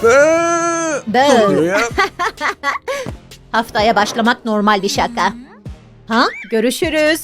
Ne oluyor ya? Haftaya başlamak normal bir şaka. Ha? Görüşürüz.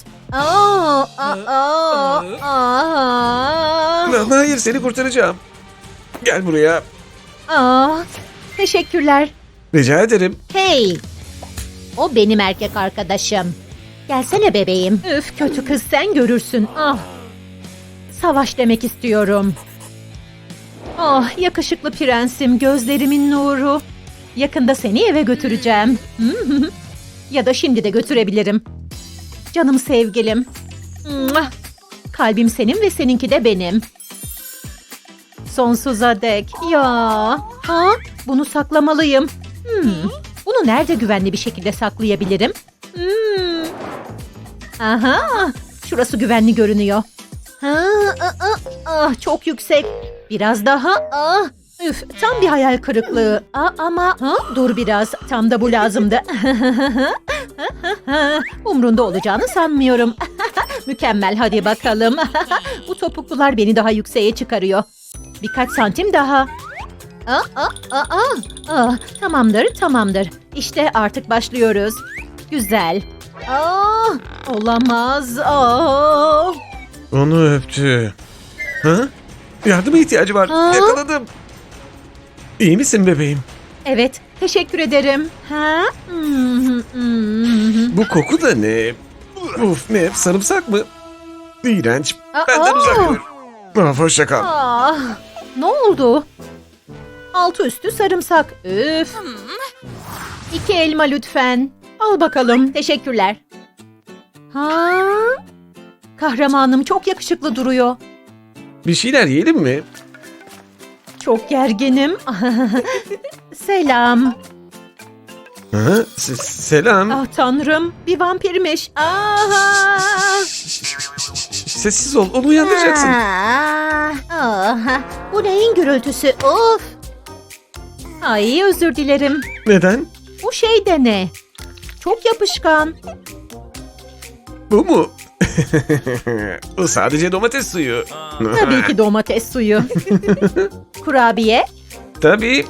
Hayır, seni kurtaracağım. Gel buraya. Teşekkürler. Rica ederim. Hey! O benim erkek arkadaşım. Gelsene bebeğim. Üf, kötü kız, sen görürsün. Savaş demek istiyorum. Yakışıklı prensim, gözlerimin nuru. Yakında seni eve götüreceğim. Ya da şimdi de götürebilirim. Canım sevgilim. Kalbim senin ve seninki de benim. Sonsuza dek. Ya. Bunu saklamalıyım. Bunu nerede güvenli bir şekilde saklayabilirim? Aha. Şurası güvenli görünüyor. Çok yüksek. Biraz daha. Üf, tam bir hayal kırıklığı. Ama dur biraz. Tam da bu lazımdı. Umrunda olacağını sanmıyorum. Mükemmel, hadi bakalım. Bu topuklular beni daha yükseğe çıkarıyor. Birkaç santim daha. Tamamdır. İşte artık başlıyoruz. Güzel. Olamaz. Onu öptü. Ha? Yardıma ihtiyacı var. Yakaladım. İyi misin bebeğim? Evet, teşekkür ederim. Bu koku da ne? Uf, ne? Sarımsak mı? İğrenç. Benden uzak dur. Hoşça kal. Ne oldu? Altı üstü sarımsak. Üf. 2 elma lütfen. Al bakalım. Teşekkürler. Kahramanım çok yakışıklı duruyor. Bir şeyler yiyelim mi? Çok gerginim. Selam. Selam. Tanrım, bir vampirmiş. Sessiz ol, onu uyandıracaksın. Bu neyin gürültüsü? Of. Ay, özür dilerim. Neden? Bu şey de ne? Çok yapışkan. Bu mu? Bu sadece domates suyu. Tabii ki domates suyu. Kurabiye. Tabii.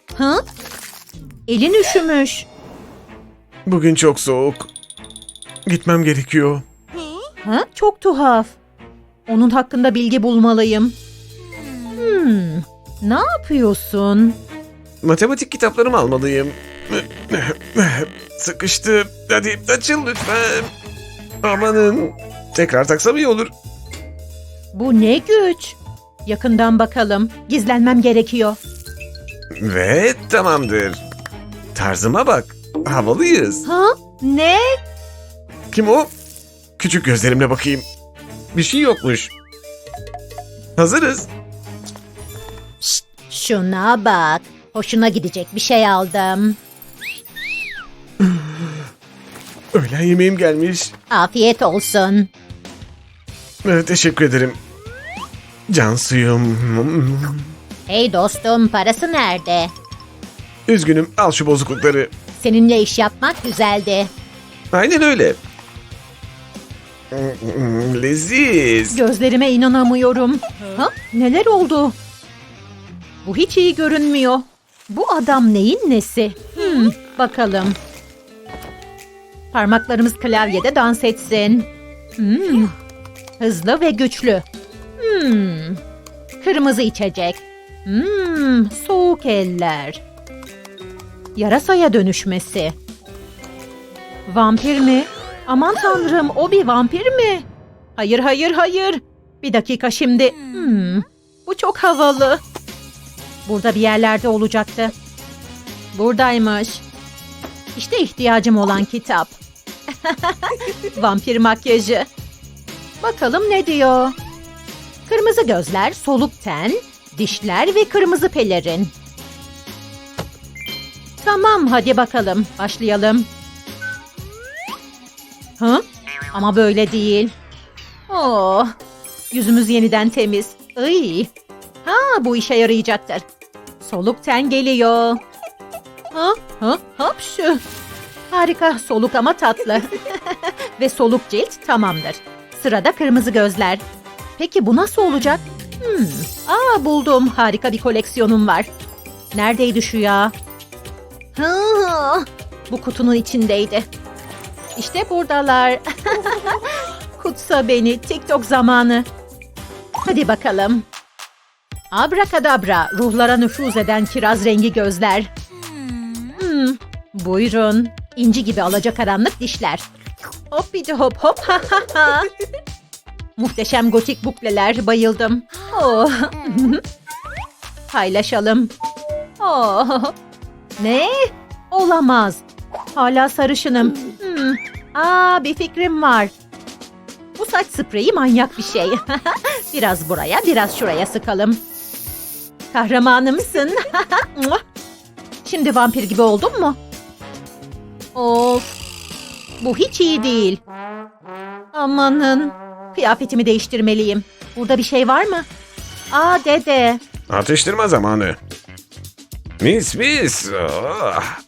Elin üşümüş. Bugün çok soğuk. Gitmem gerekiyor. Çok tuhaf. Onun hakkında bilgi bulmalıyım. Ne yapıyorsun? Matematik kitaplarımı almalıyım. Sıkıştı. Hadi açıl lütfen. Amanın. Tekrar taksam iyi olur. Bu ne güç? Yakından bakalım. Gizlenmem gerekiyor. Ve tamamdır. Tarzıma bak. Havalıyız. Ne? Kim o? Küçük gözlerimle bakayım. Bir şey yokmuş. Hazırız. Şuna bak. Hoşuna gidecek bir şey aldım. Öğlen yemeğim gelmiş. Afiyet olsun. Teşekkür ederim. Can suyum. Hey dostum, parası nerede? Üzgünüm, al şu bozuklukları. Seninle iş yapmak güzeldi. Aynen öyle. Leziz. Gözlerime inanamıyorum. Neler oldu? Bu hiç iyi görünmüyor. Bu adam neyin nesi? Bakalım. Parmaklarımız klavyede dans etsin. Hızlı ve güçlü. Kırmızı içecek. Soğuk eller. Yarasaya dönüşmesi. Vampir mi? Aman tanrım, o bir vampir mi? Hayır. Bir dakika şimdi. Bu çok havalı. Burada bir yerlerde olacaktı. Buradaymış. İşte ihtiyacım olan kitap. Vampir makyajı. Bakalım ne diyor? Kırmızı gözler, soluk ten, dişler ve kırmızı pelerin. Tamam, hadi bakalım. Başlayalım. Ama böyle değil. Yüzümüz yeniden temiz. Bu işe yarayacaktır. Soluk ten geliyor. Hapşu. Harika, soluk ama tatlı. Ve soluk cilt tamamdır. Sırada kırmızı gözler. Peki bu nasıl olacak? Buldum. Harika bir koleksiyonum var. Neredeydi şu ya? Hı, bu kutunun içindeydi. İşte buradalar. Kutsa beni. TikTok zamanı. Hadi bakalım. Abrakadabra. Ruhlara nüfuz eden kiraz rengi gözler. Buyurun. İnci gibi alacakaranlık dişler. Hoppidi hop hop ha ha ha. Muhteşem gotik bukleler. Bayıldım. Oh. Paylaşalım. Oh. Ne? Olamaz. Hala sarışınım. Bir fikrim var. Bu saç spreyi manyak bir şey. Biraz buraya, biraz şuraya sıkalım. Kahramanımsın. Şimdi vampir gibi oldun mu? Of. Bu hiç iyi değil. Amanın. Kıyafetimi değiştirmeliyim. Burada bir şey var mı? Dede. Atıştırma zamanı. Mis. Ah.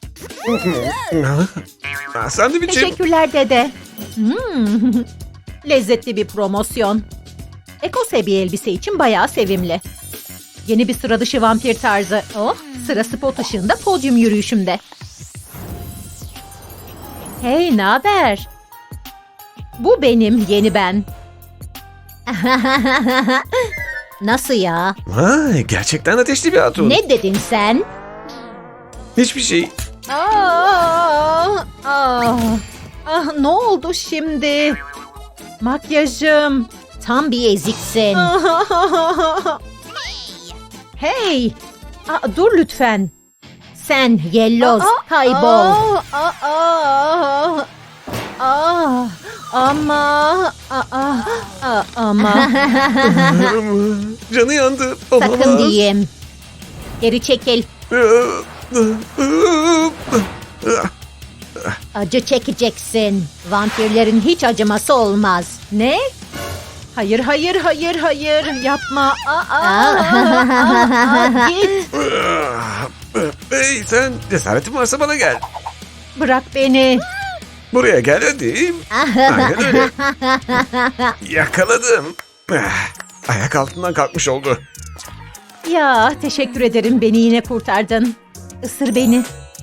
Sandviçim. Teşekkürler dede. Lezzetli bir promosyon. Ekose bir elbise için bayağı sevimli. Yeni bir sıra dışı vampir tarzı. Oh, sıra spot ışığında podyum yürüyüşümde. Hey, naber? Bu benim yeni ben. Nasıl ya? Vay, gerçekten ateşli bir hatun. Ne dedin sen? Hiçbir şey. Ne oldu şimdi? Makyajım. Tam bir eziksin. Hey! Dur lütfen. Sen yelloz, kaybol. Ama. Canı yandı. Sakın diyeyim. Geri çekil. Acı çekeceksin. Vampirlerin hiç acıması olmaz. Ne? Hayır. Yapma. Git. Hey sen, cesaretin varsa bana gel. Bırak beni. Buraya gel hadi. Aynen öyle. Yakaladım. Ayak altından kalkmış oldu. Ya teşekkür ederim, beni yine kurtardın. Isır beni.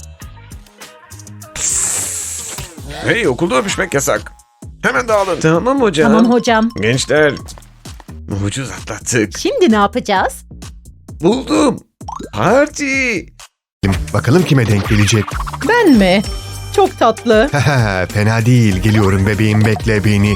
Hey, okulda öpüşmek yasak. Hemen dağılın. Tamam hocam. Tamam hocam. Gençler, ucuz atlattık. Şimdi ne yapacağız? Buldum. Parti. Bakalım kime denk gelecek. Ben mi? Çok tatlı. Fena değil. Geliyorum bebeğim, bekle beni.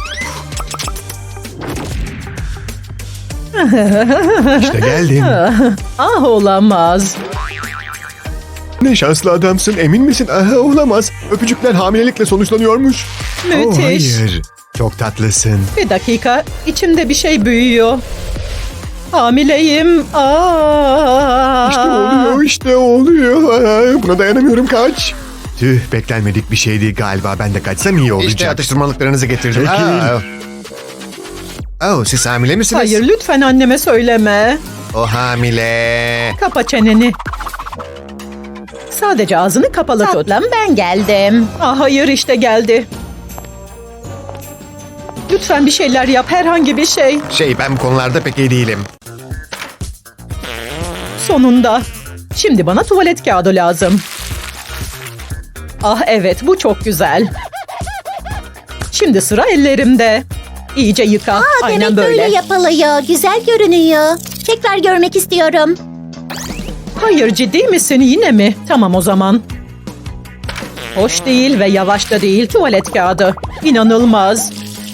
İşte geldim. Olamaz. Ne şanslı adamsın, emin misin? Olamaz. Öpücükler hamilelikle sonuçlanıyormuş. Müthiş. Hayır. Çok tatlısın. Bir dakika, içimde bir şey büyüyor. Hamileyim. İşte oluyor. Buna dayanamıyorum, kaç. Tüh, beklenmedik bir şeydi galiba. Ben de kaçsam iyi olacak. İşte atıştırmalıklarınızı getirdim. Siz hamile misiniz? Hayır, lütfen anneme söyleme. O hamile. Kapa çeneni. Sadece ağzını kapalı tut. Tatlım, ben geldim. Hayır, işte geldi. Lütfen bir şeyler yap, herhangi bir şey. Ben bu konularda pek iyi değilim. Sonunda. Şimdi bana tuvalet kağıdı lazım. Evet, bu çok güzel. Şimdi sıra ellerimde. İyice yıka. Aynen demek böyle. böyle yapılıyor. Güzel görünüyor. Tekrar görmek istiyorum. Hayır, ciddi misin yine mi? Tamam o zaman. Hoş değil ve yavaş da değil tuvalet kağıdı. İnanılmaz.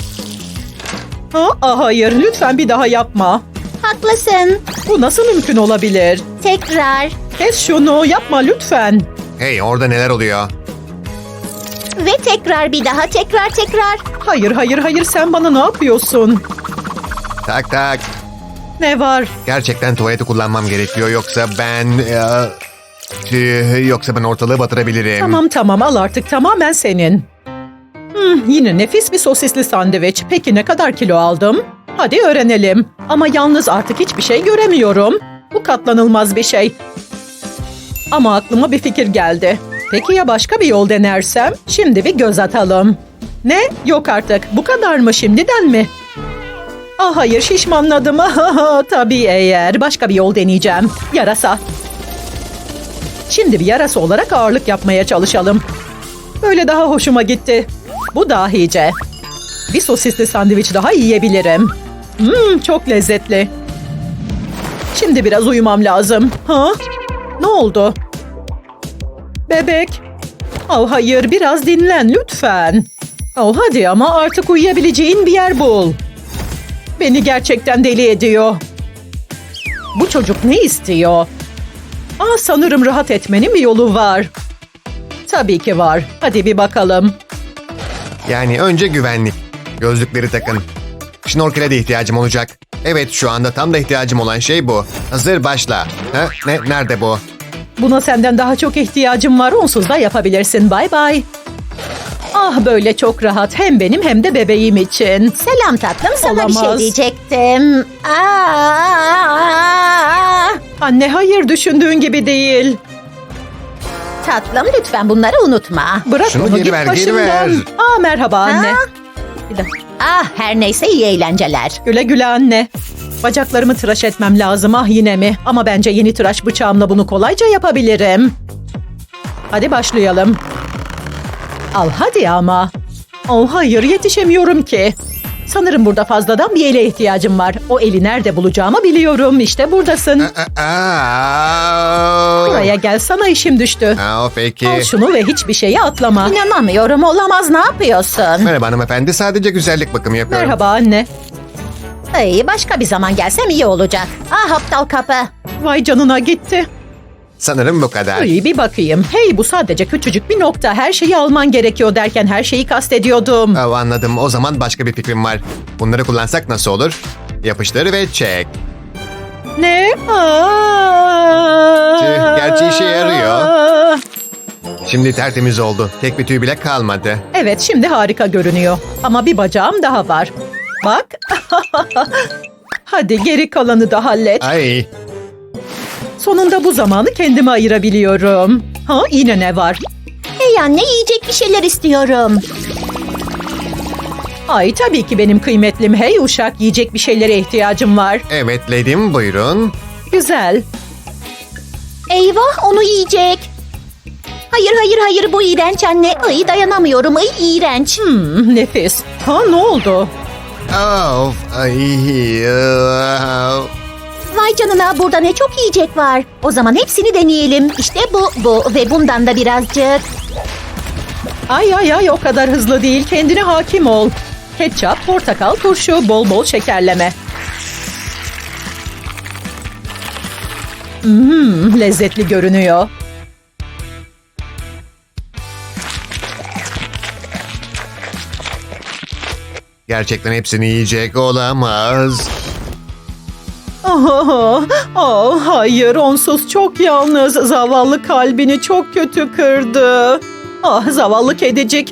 Hayır, lütfen bir daha yapma. Haklısın. Bu nasıl mümkün olabilir? Tekrar. Kes şunu, yapma lütfen. Hey, orada neler oluyor? Ve tekrar bir daha. Tekrar. Hayır, sen bana ne yapıyorsun? Tak. Ne var? Gerçekten tuvaleti kullanmam gerekiyor, yoksa ben ortalığı batırabilirim. Tamam, al artık, tamamen senin. Yine nefis bir sosisli sandviç. Peki ne kadar kilo aldım? Hadi öğrenelim. Ama yalnız artık hiçbir şey göremiyorum. Bu katlanılmaz bir şey. Ama aklıma bir fikir geldi. Peki ya başka bir yol denersem? Şimdi bir göz atalım. Ne? Yok artık. Bu kadar mı, şimdiden mi? Hayır, şişmanladım. Tabii eğer. Başka bir yol deneyeceğim. Yarasa. Şimdi bir yarası olarak ağırlık yapmaya çalışalım. Böyle daha hoşuma gitti. Bu dahice. Bir sosisli sandviç daha yiyebilirim. Çok lezzetli. Şimdi biraz uyumam lazım. Ha? Ne oldu? Bebek. Oh hayır, biraz dinlen lütfen. Oh hadi ama artık uyuyabileceğin bir yer bul. Beni gerçekten deli ediyor. Bu çocuk ne istiyor? Sanırım rahat etmenin bir yolu var. Tabii ki var. Hadi bir bakalım. Yani önce güvenlik. Gözlükleri takın. Şnorkele de ihtiyacım olacak. Evet, şu anda tam da ihtiyacım olan şey bu. Hazır, başla. Ha? Nerede bu? Buna senden daha çok ihtiyacım var. Onsuz da yapabilirsin. Bay bay. Böyle çok rahat. Hem benim hem de bebeğim için. Selam tatlım, sana bir şey Olamaz. diyecektim. Anne hayır, düşündüğün gibi değil. Tatlım lütfen bunları unutma. Bırak Şunu onu, geri git ver, geri başımdan. ver. Merhaba anne. Ha? Bir dakika. Her neyse iyi eğlenceler. Güle güle anne. Bacaklarımı tıraş etmem lazım, yine mi? Ama bence yeni tıraş bıçağımla bunu kolayca yapabilirim. Hadi başlayalım. Al hadi ama. Hayır, yetişemiyorum ki. Sanırım burada fazladan bir ele ihtiyacım var. O eli nerede bulacağımı biliyorum. İşte buradasın. Buraya gel, sana işim düştü. Peki. Al şunu ve hiçbir şeye atlama. İnanamıyorum, olamaz, ne yapıyorsun? Merhaba hanımefendi, sadece güzellik bakımı yapıyorum. Merhaba anne. Başka bir zaman gelsem iyi olacak. Aptal kapı. Vay canına, gitti. Sanırım bu kadar. İyi bir bakayım. Hey, bu sadece küçücük bir nokta. Her şeyi alman gerekiyor derken her şeyi kastediyordum. Anladım. O zaman başka bir fikrim var. Bunları kullansak nasıl olur? Yapıştır ve çek. Ne? Gerçi işe yarıyor. Şimdi tertemiz oldu. Tek bir tüy bile kalmadı. Evet, şimdi harika görünüyor. Ama bir bacağım daha var. Bak. Hadi geri kalanı da hallet. Ay, Sonunda bu zamanı kendime ayırabiliyorum. Yine ne var? Hey anne, yiyecek bir şeyler istiyorum. Ay tabii ki benim kıymetlim. Hey uşak, yiyecek bir şeylere ihtiyacım var. evet lady'm, buyurun. Güzel. Eyvah, onu yiyecek. Hayır, bu iğrenç anne. Dayanamıyorum, iğrenç. Nefis. Ne oldu? Of, Vay canına, burada ne çok yiyecek var. O zaman hepsini deneyelim. İşte bu ve bundan da birazcık. Ay o kadar hızlı değil. Kendine hakim ol. Ketçap, portakal, turşu, bol bol şekerleme. Lezzetli görünüyor. Gerçekten hepsini yiyecek olamaz. Hayır, onsuz çok yalnız. Zavallı kalbini çok kötü kırdı. Zavallı kedicik.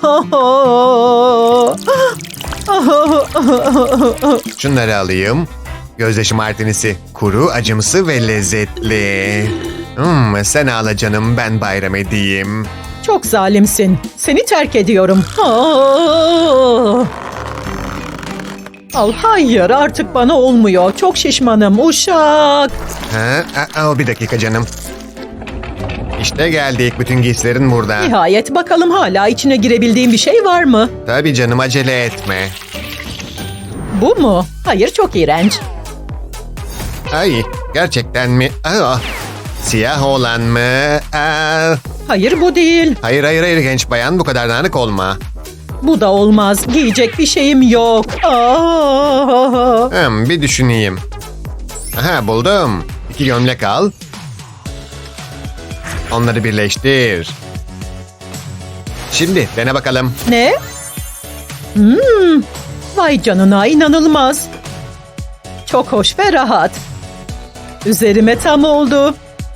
Şunları alayım. Gözyaşı martinisi. Kuru, acımsı ve lezzetli. Sen ağla canım, ben bayram edeyim. Çok zalimsin. Seni terk ediyorum. Hayır, artık bana olmuyor. Çok şişmanım uşak. Bir dakika canım. İşte geldik. Bütün giysilerin burada. Nihayet, bakalım hala içine girebildiğim bir şey var mı? Tabii canım, acele etme. Bu mu? Hayır, çok iğrenç. Ay, gerçekten mi? Siyah olan mı? Hayır, bu değil. Hayır genç bayan, bu kadar dağınık olma. Bu da olmaz. Giyecek bir şeyim yok. Bir düşüneyim. Buldum. 2 gömlek al. Onları birleştir. Şimdi dene bakalım. Ne? Vay canına, inanılmaz. Çok hoş ve rahat. Üzerime tam oldu.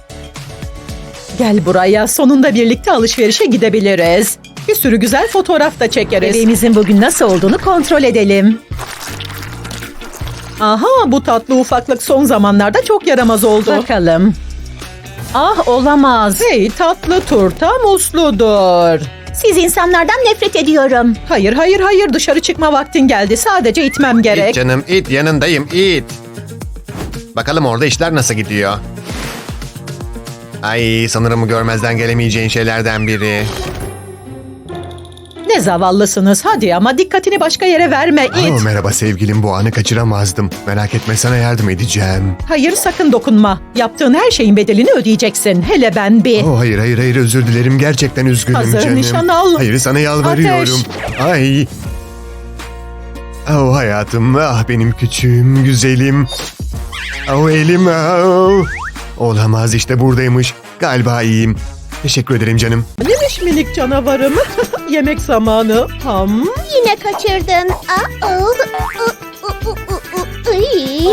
Gel buraya, sonunda birlikte alışverişe gidebiliriz. Bir sürü güzel fotoğraf da çekeriz. Bebeğimizin bugün nasıl olduğunu kontrol edelim. Bu tatlı ufaklık son zamanlarda çok yaramaz oldu. Bakalım. Olamaz. Hey, tatlı turta musludur. Siz insanlardan nefret ediyorum. Hayır, dışarı çıkma vaktin geldi. Sadece itmem gerek. İt canım, it, yanındayım, it. Bakalım orada işler nasıl gidiyor. Ay sanırım görmezden gelemeyeceğin şeylerden biri. Ne zavallısınız. Hadi ama dikkatini başka yere verme it. Merhaba sevgilim, bu anı kaçıramazdım. Merak etme, sana yardım edeceğim. Hayır, sakın dokunma. Yaptığın her şeyin bedelini ödeyeceksin. Hele ben bir. Hayır özür dilerim, gerçekten üzgünüm Hazır, canım. nişan al. Hayır, sana yalvarıyorum. Ay. Hayatım, benim küçüğüm, güzelim. Elim. Olamaz, işte buradaymış. Galiba iyiyim. Teşekkür ederim canım. Neymiş minik canavarım? Yemek zamanı. Yine kaçırdın. Ay.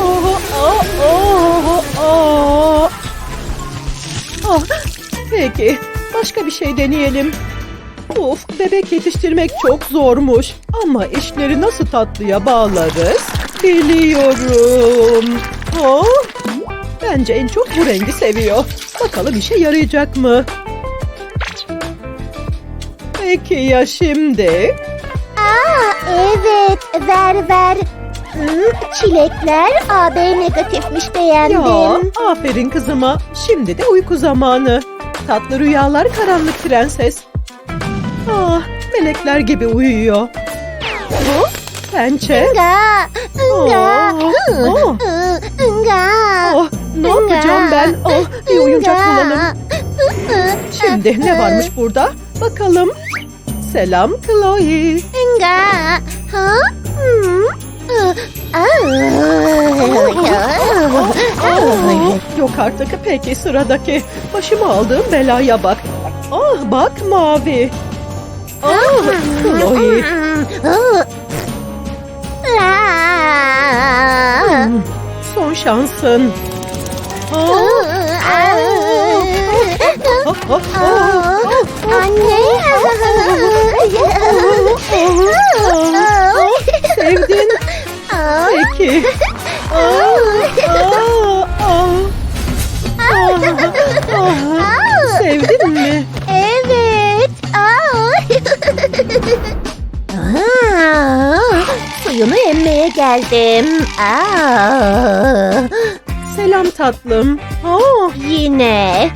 Peki, başka bir şey deneyelim. Of, bebek yetiştirmek çok zormuş. Ama işleri nasıl tatlıya bağlarız? Biliyorum. Bence en çok bu rengi seviyor. Bakalım işe yarayacak mı? Peki ya şimdi? Evet, ver. Çilekler AB negatifmiş, beğendim. Ya, aferin kızıma. Şimdi de uyku zamanı. Tatlı rüyalar karanlık prenses. Melekler gibi uyuyor. Pençe. Ne yapacağım ben? Bir oyuncak bulalım. Şimdi ne varmış burada? Bakalım. Selam Chloe. Yok artık. Peki sıradaki. Başıma aldığım belaya bak. Bak mavi. Chloe. Son şansın. Anne. Sevdin. Peki. Sevdin mi? Evet. Suyunu emmeye geldim. Selam tatlım. Yine.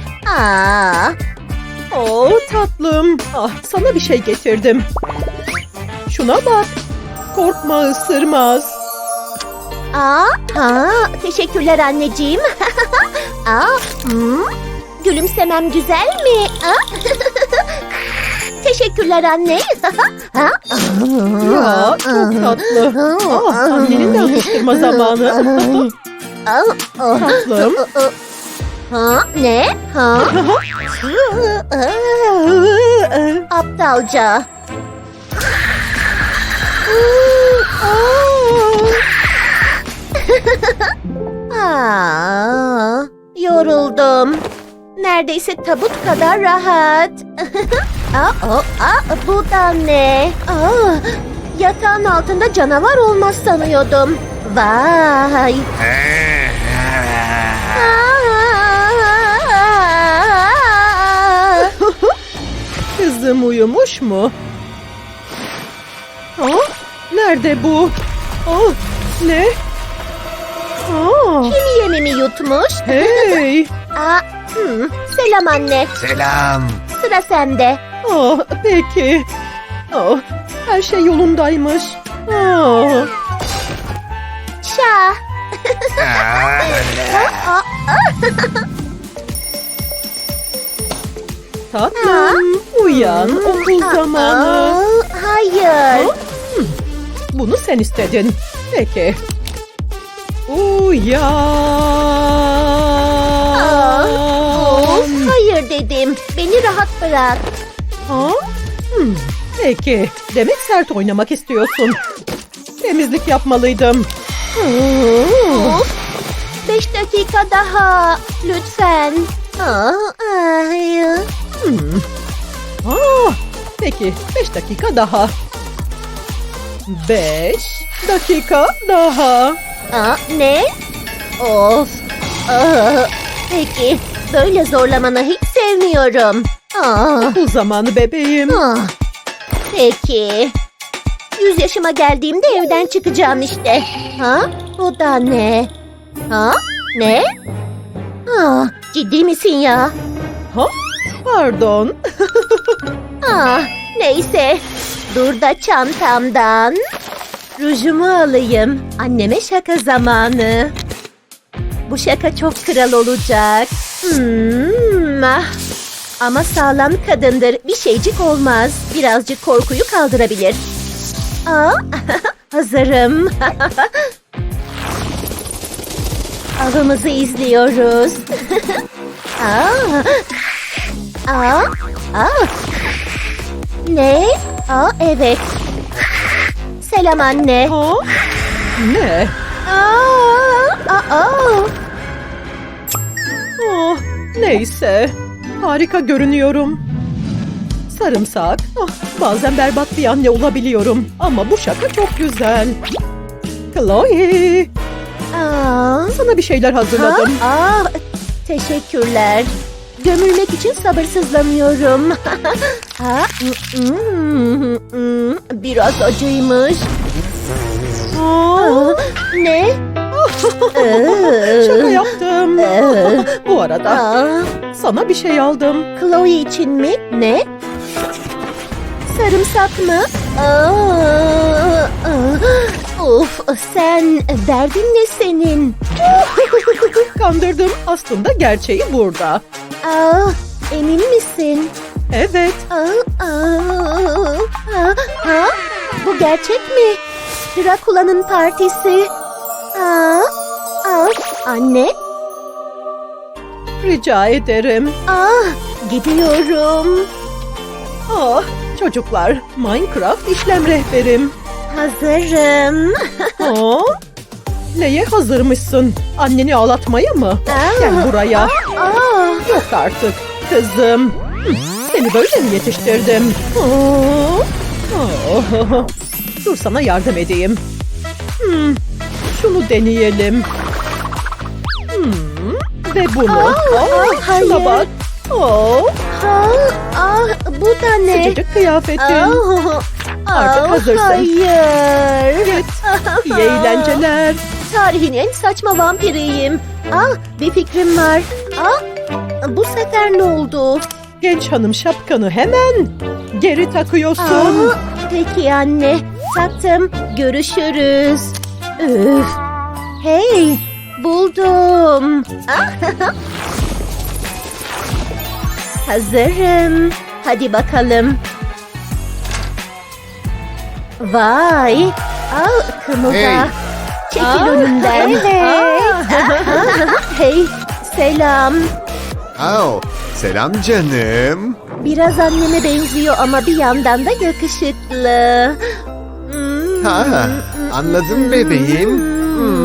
Tatlım. Sana bir şey getirdim. Şuna bak. Korkma, ısırmaz. Teşekkürler anneciğim. Gülümsemem güzel mi? Teşekkürler anne. Ya çok tatlı. Annenin de atıştırma zamanı. Tatlım. Ne? Aptalca. Yoruldum. Neredeyse tabut kadar rahat. Bu da ne? Yatağın altında canavar olmaz sanıyordum. Vay. Kızım uyumuş mu? Nerede bu? Ne? Kim yemimi yutmuş? Hey! Selam anne. Selam. Sıra sende. Peki. Her şey yolundaymış. Şah. Tatlım, uyan. Okul zamanı. Hayır. Bunu sen istedin. Peki. Uyan. Hayır dedim. Beni rahat bırak. Peki. Demek sert oynamak istiyorsun. Temizlik yapmalıydım. 5 dakika daha. Lütfen. Peki 5 dakika daha. 5 dakika daha. Ne? Of. Peki. Böyle zorlamanı hiç sevmiyorum. Okul zamanı bebeğim. Peki. 100 yaşıma geldiğimde evden çıkacağım işte. Bu da ne? Ne? Ciddi misin ya? Ha? Pardon. Neyse. Dur da çantamdan rujumu alayım. Anneme şaka zamanı. Bu şaka çok kral olacak. Ama sağlam kadındır. Bir şeycik olmaz. Birazcık korkuyu kaldırabilir. Hazırım. Avımızı izliyoruz. Ne? Evet. Selam anne. Ha? Ne? Oh, neyse. Harika görünüyorum. Sarımsak. Bazen berbat bir anne olabiliyorum. Ama bu şaka çok güzel. Chloe, sana bir şeyler hazırladım. Teşekkürler. Gömülmek için sabırsızlanıyorum. Biraz acıymış. Ne? Şaka yaptım. Bu arada sana bir şey aldım. Chloe için mi? Ne? Sarımsak mı? Of, sen derdin ne senin? Kandırdım. Aslında gerçeği burada. Emin misin? Evet. Bu gerçek mi? Drakula'nın partisi. Anne? Rica ederim. Gidiyorum. Çocuklar, Minecraft işlem rehberim. Hazırım. Neye hazırmışsın? Anneni ağlatmaya mı? Gel buraya. Yok artık kızım. Seni böyle mi yetiştirdim? Dur sana yardım edeyim. Şunu deneyelim. Ve bunu. Şuna bak. Bu da ne? Sıcacık kıyafetin. Artık hazırsın. Hayır. Evet. İyi eğlenceler. Tarihin en saçma vampiriyim. Bir fikrim var. Bu sefer ne oldu? Genç hanım şapkanı hemen geri takıyorsun. Peki anne. Taktım. Görüşürüz. Üf. Hey. Buldum. Hazırım. Hadi bakalım. Vay. Kımılda. Hey. Çekil önümden. Hey. Selam. Selam canım. Biraz anneme benziyor ama bir yandan da yakışıklı. Anladım bebeğim.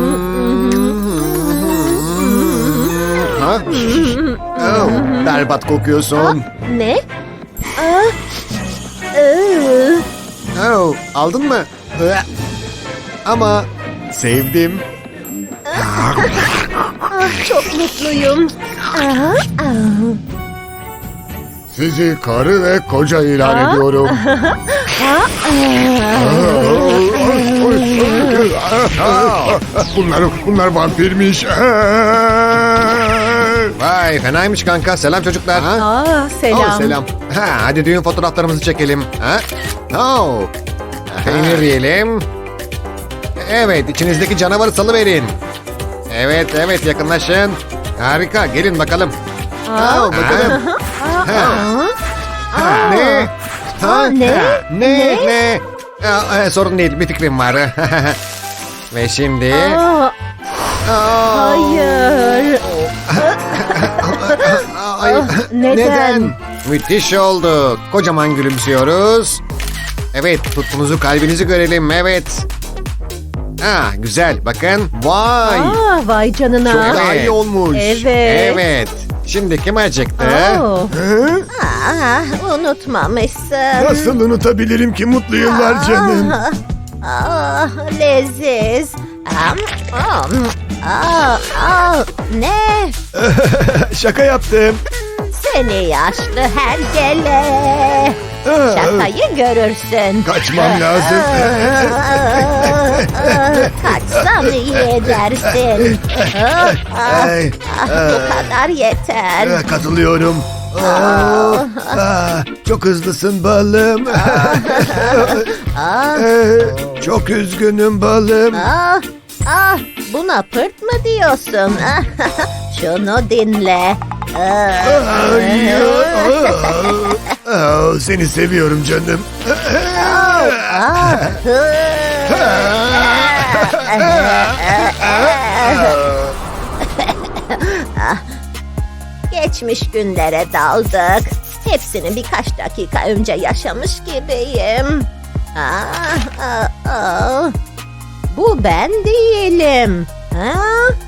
Berbat kokuyorsun. Ne? Aldın mı? Ama sevdim. Çok mutluyum. Sizi karı ve koca ilan ediyorum. Bunlar vampirmiş. Vay fenaymış kanka. Selam çocuklar. Selam. Selam. Hadi düğün fotoğraflarımızı çekelim. Peynir yiyelim. Evet, içinizdeki canavarı salıverin. Evet, yakınlaşın. Harika, gelin bakalım. Bakalım. Ne? Sorun değil, bir fikrim var. Ve şimdi... Hayır. Neden? Müthiş oldu. Kocaman gülümsüyoruz. Evet, tutkunuzu, kalbinizi görelim. Evet. Güzel. Bakın. Vay. Vay canına. Çok daha iyi olmuş. Evet. Şimdi kim acıktı? Unutmamışsın. Nasıl unutabilirim ki mutlu yıllar canım? Leziz. Ne? Şaka yaptım. Seni yaşlı hergele. Şakayı görürsün. Kaçmam lazım. Kaçsam iyi edersin. Ay, Bu kadar yeter. katılıyorum. Çok hızlısın balım. Çok üzgünüm balım. Buna pırt mı diyorsun? Şunu dinle. Seni seviyorum canım. Geçmiş günlere daldık. Hepsini birkaç dakika önce yaşamış gibiyim. Bu ben değilim.